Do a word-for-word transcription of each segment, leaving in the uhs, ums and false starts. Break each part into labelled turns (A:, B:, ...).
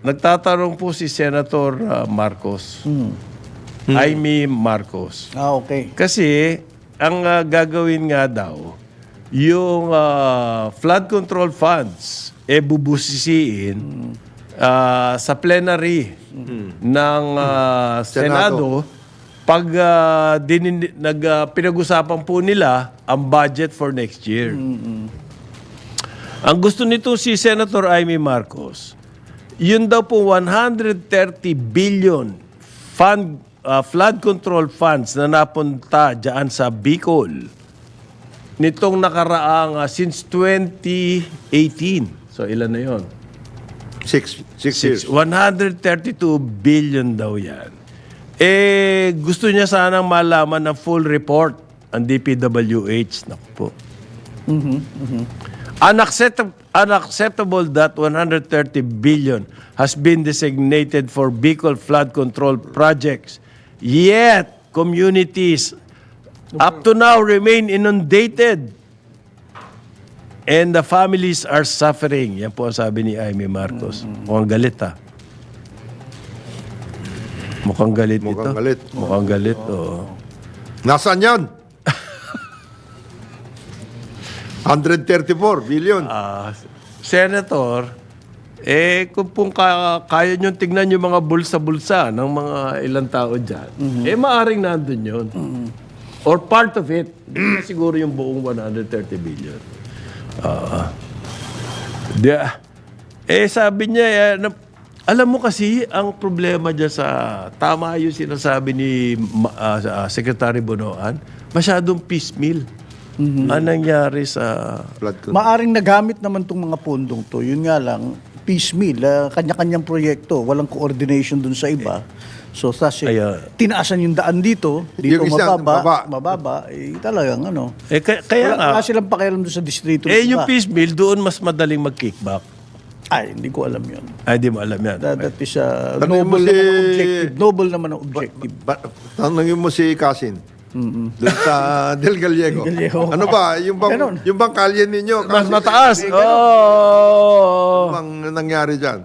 A: nagtatanong po si Senator uh, Marcos.
B: Hmm.
A: Jaime Marcos.
B: Ah, okay.
A: Kasi, ang uh, gagawin nga daw, yung uh, flood control funds, e bubusisiin uh, sa plenary ng uh, Senado, pag uh, dinin, nag, uh, pinag-usapan po nila ang budget for next year. Ang gusto nito si Senator Jaime Marcos, yun daw po one hundred thirty billion fund, uh, flood control funds na napunta dyan sa Bicol nitong nakaraang uh, since twenty eighteen. So ilan na yun?
C: Six, six, years.
A: one hundred thirty-two billion daw yan. Eh, gusto niya sanang malaman ng full report ang D P W H. Naku po. Unacceptable, unacceptable that one hundred thirty billion has been designated for Bicol flood control projects. Yet, communities up to now remain inundated. And the families are suffering. Yan po ang sabi ni Jaime Marcos. Mukhang galit ha. Mukhang galit ito.
C: Mukhang galit.
A: Mukhang galit, oo.
C: Nasaan yan? one hundred thirty-four billion.
A: Ah, Senator, eh kung pong ka- kaya nyo tignan yung mga bulsa-bulsa ng mga ilang tao dyan, eh maaring nandun yun. Or part of it. Hindi na siguro yung buong one hundred thirty billion. Ah. Di- eh sabi niya, eh, na- alam mo kasi, ang problema dyan sa, tama yung sinasabi ni Ma- ah, ah, Secretary Bonoan, masyadong piecemeal. Ang nangyari sa...
C: Flood control.
B: Maaring nagamit naman tong mga pondong to. Yun nga lang, piecemeal, ah, kanya-kanyang proyekto, walang coordination dun sa iba. So, kasi
A: Ayan.
B: tinaasan yung daan dito, dito
C: Yung isa,
B: mababa,
C: baba.
B: mababa, eh talagang ano.
A: Eh, kaya, kaya nga,
B: Wala, wala silang pakialam doon sa distrito.
A: eh yung
B: iba.
A: piecemeal, doon mas madaling mag-kickback.
B: Ay, hindi ko alam yun.
A: Ay, di mo alam yan.
B: That, that is a
C: Tanungin mo
B: noble
C: si-
B: naman ang objective. Noble naman ang objective.
C: Ba- tanungin mo si Kasin. Doon sa Del Gallego.
B: Del Gallego.
C: Ano ba? Yung bang,
B: Ganon.
C: yung bang kalye ninyo?
A: Mas
C: Kasin,
A: mataas.
C: eh,
A: Oh.
C: Ano bang nangyari dyan?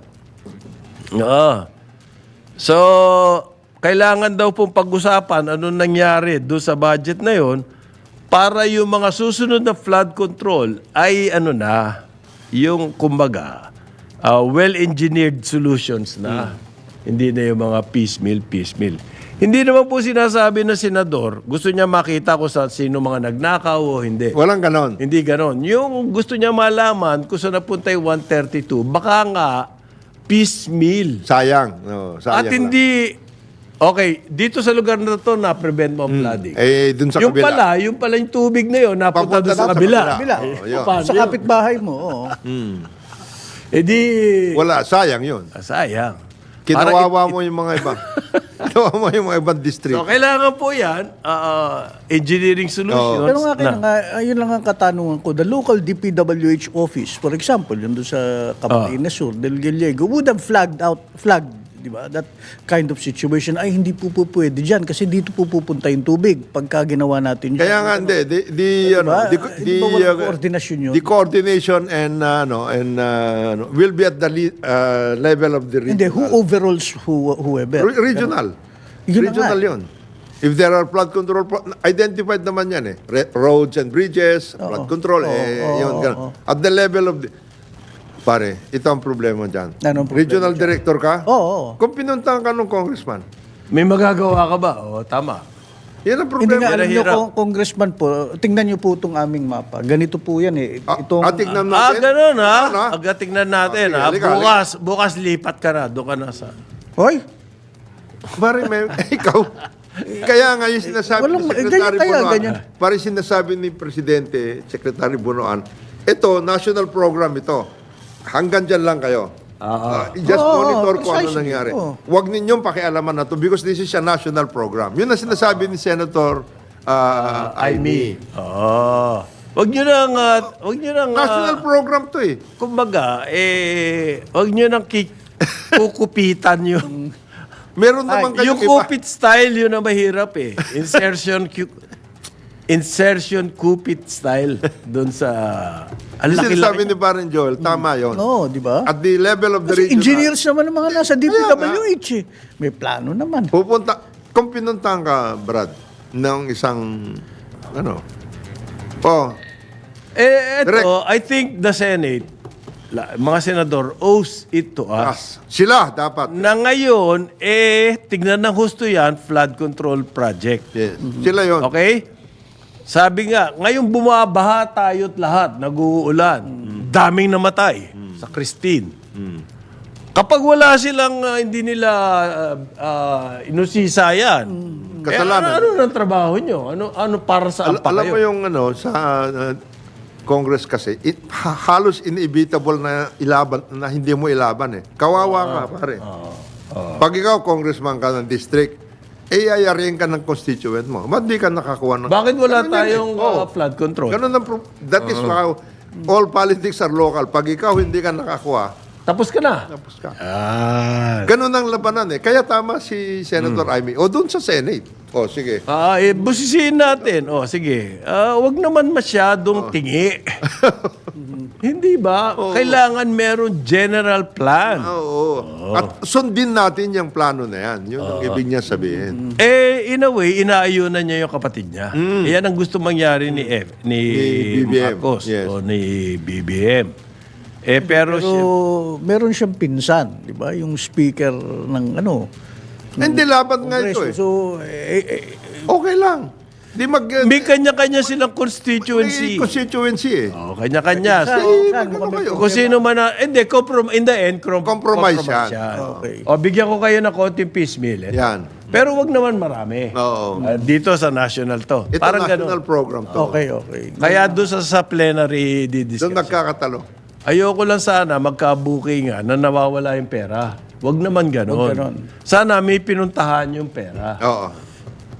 A: Oo. So, kailangan daw pong pag-usapan anong nangyari doon sa budget na yon para yung mga susunod na flood control ay ano na, yung kumbaga, uh, well-engineered solutions na. Hindi na yung mga piecemeal, piecemeal. Hindi naman po sinasabi ng senador, gusto niya makita kung sa sino mga nagnakaw o hindi.
C: Walang ganon.
A: Hindi ganon. Yung gusto niya malaman kung saan napunta yung one thirty-two, baka nga piecemeal.
C: Sayang. No, sayang
A: At
C: lang.
A: hindi, okay, dito sa lugar na to, na-prevent mo ang flooding.
C: Eh, dun sa
A: yung
C: kabila.
A: pala, yung pala yung tubig na yun, napunta
C: Papunta
A: doon sa
C: doon sa
A: kabila.
C: kabila.
B: Bila.
C: Oh, yun.
A: Paano
B: Sa
A: yun?
B: kapitbahay mo, oo.
A: Eh di,
C: Wala, sayang yun.
A: ah, sayang.
C: Kinawawa mo yung mga iba. Kinawawa mo yung mga ibang district.
A: So, kailangan po yan, ah, engineering solutions.
B: Pero nga, kaya
A: na-
B: nga, ayun lang ang katanungan ko. The local D P W H office, for example, yun doon sa Camarines Sur, Del Gallego, would have flagged out, flagged, di ba, that kind of situation. Ay, hindi po po pwede dyan kasi dito po pupunta yung tubig pagka ginawa natin yun.
C: Kaya nga, hindi. Di, di, ano,
B: Diba?
C: di,
B: Hindi ba walang
C: uh,
B: coordination yun?
C: The coordination and, uh, ano, and, uh, ano, will be at the le- uh, level of the
B: Hindi,
C: regional.
B: who overrules who, whoever?
C: Re- regional.
B: Yun na
C: regional
B: nga.
C: yun. If there are flood control, pro- identified naman yan eh. Re- roads and bridges, flood control, eh,
B: Oo,
C: yun.
B: oo,
C: ganun.
B: oo.
C: At the level of the... Pare, ito ang problema dyan.
B: Anong problema
C: Regional
B: dyan?
C: director ka?
B: Oo, oo.
C: Kung pinuntahan ka ng congressman,
A: May magagawa ka ba? O, tama.
C: yan ang
B: Hindi
C: problema.
B: nga, alam nyo,
A: Hirap.
B: kung congressman po, tingnan nyo po itong aming mapa. Ganito po yan eh.
C: Ah,
B: Itong,
C: ah, tignan
A: Ah,
C: natin.
A: ganun ha?
C: Ano, ha?
A: Agad tingnan natin
C: Ah, sige,
A: ha?
C: halika,
A: Bukas, bukas lipat ka na. Doon ka na sa...
B: Hoy,
C: Pare, may, ikaw. Kaya nga yung sinasabi
B: Walang-
C: ni
B: eh,
C: Secretary
B: ganyan kaya,
C: Bonoan,
B: ganyan.
C: pare sinasabi ni Presidente, Secretary Bonoan, ito, national program ito. Hanggang dyan lang kayo. Ah, just
B: Oo,
C: monitor kung ano
B: precisely,
C: nangyari.
B: oo.
C: Huwag ninyong pakialaman na to because this is a national program. Yun ang sinasabi ni Senator uh, Aimee.
A: Oo. Wag nyo nang... ah, wag nyo nang... ah,
C: National program to eh.
A: kumbaga, eh... Wag nyo nang ki- kukupitan yung...
C: Meron naman
A: Ay, yung
C: kayong iba.
A: kupit style, yun ang mahirap eh. Insertion... cu- insertion kupit style doon sa Ang
C: Yung
A: laki-laki
C: sinasabi ni Baron Joel, tama yon.
B: No, di ba?
C: At the level of the
B: Kasi
C: region,
B: engineers naman ang mga nasa D P
C: Kaya
B: W H eh. May plano naman.
C: pupunta, kung pinuntahan ka, Brad, ng isang, ano, oh,
A: Eh,
C: Direct.
A: eto, I think the Senate, la- mga senador, owes it to us.
C: as, sila dapat.
A: Na ngayon, eh, tignan ng husto yan, flood control project.
C: Yes. Sila yon.
A: Okay? Sabi nga, ngayong bumabaha tayo't lahat, nag-uulan, daming namatay sa Christine. Kapag wala silang, ah, hindi nila uh, uh, inusisa yan,
C: Kasalanan.
A: eh, ano, ano ng trabaho nyo? Ano, ano para sa
C: Al-
A: pa
C: alam
A: kayo?
C: mo yung ano, sa uh, Congress kasi, it, ha- halos inevitable na ilaban, na hindi mo ilaban eh. Kawawa ka, pare. Pag ikaw, congressman ka ng district, eh, ayarin ka ng constituent mo. Ba't di ka nakakuha ng...
A: Bakit wala
C: Ganun yun eh.
A: tayong
C: Oo.
A: uh, flood control?
C: Ganun ang pro- that is how all politics are local. Pag ikaw hindi ka nakakuha,
A: Tapos ka na.
C: tapos ka.
A: Ah.
C: Ganun ang labanan eh. Kaya tama si Senator Amy. O doon sa Senate. O sige.
A: Ah, eh, busisiin natin. Oh, sige. Ah, wag naman masyadong tingi. Hindi ba? Kailangan meron general plan.
C: Oo. At sundin natin yung plano na yan. Yun ang ibig niya sabihin.
A: Eh, in a way, inaayunan niya yung kapatid niya. Eh, yan ang gusto mangyari ni F, ni,
C: Ni B B M,
A: Marcos
C: yes.
A: o ni B B M. Eh, pero,
B: Pero
A: siya,
B: meron siyang pinsan, di ba? Yung speaker ng ano.
C: Hindi laban nga ito
B: Kongreso.
C: eh.
B: So, eh, eh,
C: Okay lang. Di mag...
A: may kanya-kanya silang
C: may
A: constituency.
C: constituency eh.
A: Oh, kanya-kanya.
B: saan-
A: So,
B: saan
C: ano
B: mo kami-
C: kayo?
A: kung sino man na, hindi, comprom- in the end, com-
C: Compromise yan.
B: Okay.
A: O, bigyan ko kayo ng konting piecemeal. Eh.
C: Yan.
A: Pero wag naman marami.
C: Oo.
A: Ah, dito sa national to.
C: Ito
A: Parang
C: national
A: ganun.
C: program to.
B: okay, okay.
A: Kaya doon sa, sa plenary
C: Doon
A: didiscuss.
C: nagkakatalo.
A: Ayoko lang sana magka-booking nga na nawawala yung pera. Wag naman ganon.
B: Wag ganon.
A: Sana may pinuntahan yung pera.
C: Oo.